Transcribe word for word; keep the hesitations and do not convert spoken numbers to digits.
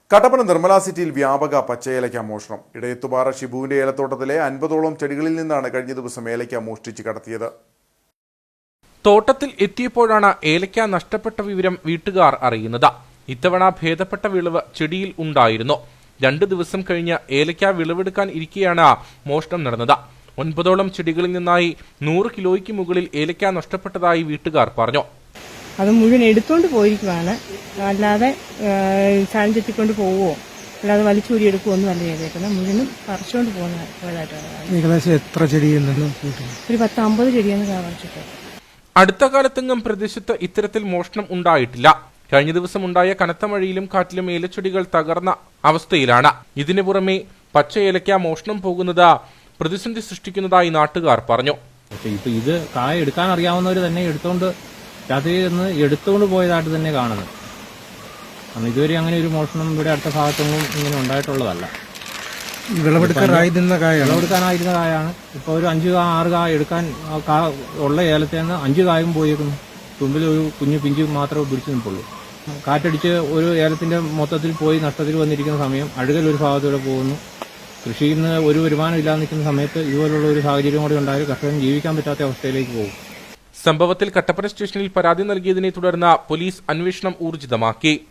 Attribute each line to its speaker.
Speaker 1: കട്ടപ്പന നിർമ്മല സിറ്റിയിൽ വ്യാപക പച്ചയേലയ്ക്ക മോഷണം. ഇടയത്തുപാറ ഷിബുവിന്റെ ഏലത്തോട്ടത്തിലെ അൻപതോളം ചെടികളിൽ നിന്നാണ് കഴിഞ്ഞ ദിവസം ഏലയ്ക്ക മോഷ്ടിച്ച് കടത്തിയത്.
Speaker 2: തോട്ടത്തിൽ എത്തിയപ്പോഴാണ് ഏലയ്ക്ക നഷ്ടപ്പെട്ട വിവരം വീട്ടുകാർ അറിയുന്നത്. ഇത്തവണ ഭേദപ്പെട്ട വിളവ് ചെടിയിൽ ഉണ്ടായിരുന്നു. രണ്ടു ദിവസം കഴിഞ്ഞ് ഏലയ്ക്ക വിളവെടുക്കാൻ ഇരിക്കെയാണ് മോഷണം നടന്നത്. ഒൻപതോളം ചെടികളിൽ നിന്നായി നൂറ് കിലോയ്ക്ക് മുകളിൽ ഏലയ്ക്ക നഷ്ടപ്പെട്ടതായി വീട്ടുകാർ പറഞ്ഞു.
Speaker 3: അത് മുഴുവൻ എടുത്തുകൊണ്ട് പോയിരിക്കുവാണ്, അല്ലാതെ ചായം ചെത്തിക്കൊണ്ട് പോവുമോ അല്ലാതെ വലിച്ചൂരി എടുക്കുമോ ഒന്നും അല്ല ചെയ്തേക്കുന്നത്. മുഴുവനും പറിച്ചുകൊണ്ട് പോകുന്ന പോയതായിട്ടാണ്.
Speaker 4: ഏകദേശം എത്ര ചെടിയിൽ
Speaker 3: ഒരു പത്ത് അമ്പത് ചെടിയെന്ന് പറിച്ചിട്ട്.
Speaker 2: അടുത്ത കാലത്തെങ്ങും പ്രദേശത്ത് ഇത്തരത്തിൽ മോഷണം ഉണ്ടായിട്ടില്ല. കഴിഞ്ഞ ദിവസം ഉണ്ടായ കനത്ത മഴയിലും കാറ്റിലും ഏലച്ചെടികൾ തകർന്ന അവസ്ഥയിലാണ്. ഇതിനു പുറമെ പച്ച ഏലയ്ക്ക മോഷണം പോകുന്നത് പ്രതിസന്ധി സൃഷ്ടിക്കുന്നതായി നാട്ടുകാർ പറഞ്ഞു.
Speaker 5: ഇപ്പൊ ഇത് കായ എടുക്കാൻ അറിയാവുന്നവർ തന്നെ എടുത്തോണ്ട് രാത്രി നിന്ന് എടുത്തുകൊണ്ട് പോയതായിട്ട് തന്നെ കാണുന്നത്. കാരണം ഇതുവരെ അങ്ങനെ ഒരു മോഷണം ഇവിടെ അടുത്ത ഭാഗത്തൊന്നും ഇങ്ങനെ ഉണ്ടായിട്ടുള്ളതല്ല.
Speaker 4: വിളവെടുക്കാനായിരുന്ന കായ
Speaker 5: വിളവെടുക്കാനായിരുന്ന കായാണ്. ഇപ്പോൾ ഒരു അഞ്ച് കാ ആറ് കായ എടുക്കാൻ ഉള്ള ഏലത്തിൽ നിന്ന് അഞ്ച് കായും പോയേക്കുന്നു. തുമ്പിൽ ഒരു കുഞ്ഞു പിഞ്ച് മാത്രമേ പിടിച്ചു നിൽപ്പുള്ളൂ. കാറ്റടിച്ച് ഒരു ഏലത്തിന്റെ മൊത്തത്തിൽ പോയി നഷ്ടത്തിൽ വന്നിരിക്കുന്ന സമയം അഴുകൽ ഒരു ഭാഗത്തൂടെ പോകുന്നു. കൃഷിയിൽ നിന്ന് ഒരു വരുമാനം ഇല്ലാതെ നിൽക്കുന്ന സമയത്ത് ഇതുപോലുള്ള ഒരു സാഹചര്യം കൂടി ഉണ്ടായാൽ കർഷകൻ ജീവിക്കാൻ പറ്റാത്ത അവസ്ഥയിലേക്ക് പോകും.
Speaker 2: സംഭവത്തിൽ കട്ടപ്പന സ്റ്റേഷനിൽ പരാതി നൽകിയതിനെ തുടർന്ന് പോലീസ് അന്വേഷണം ഊർജിതമാക്കി.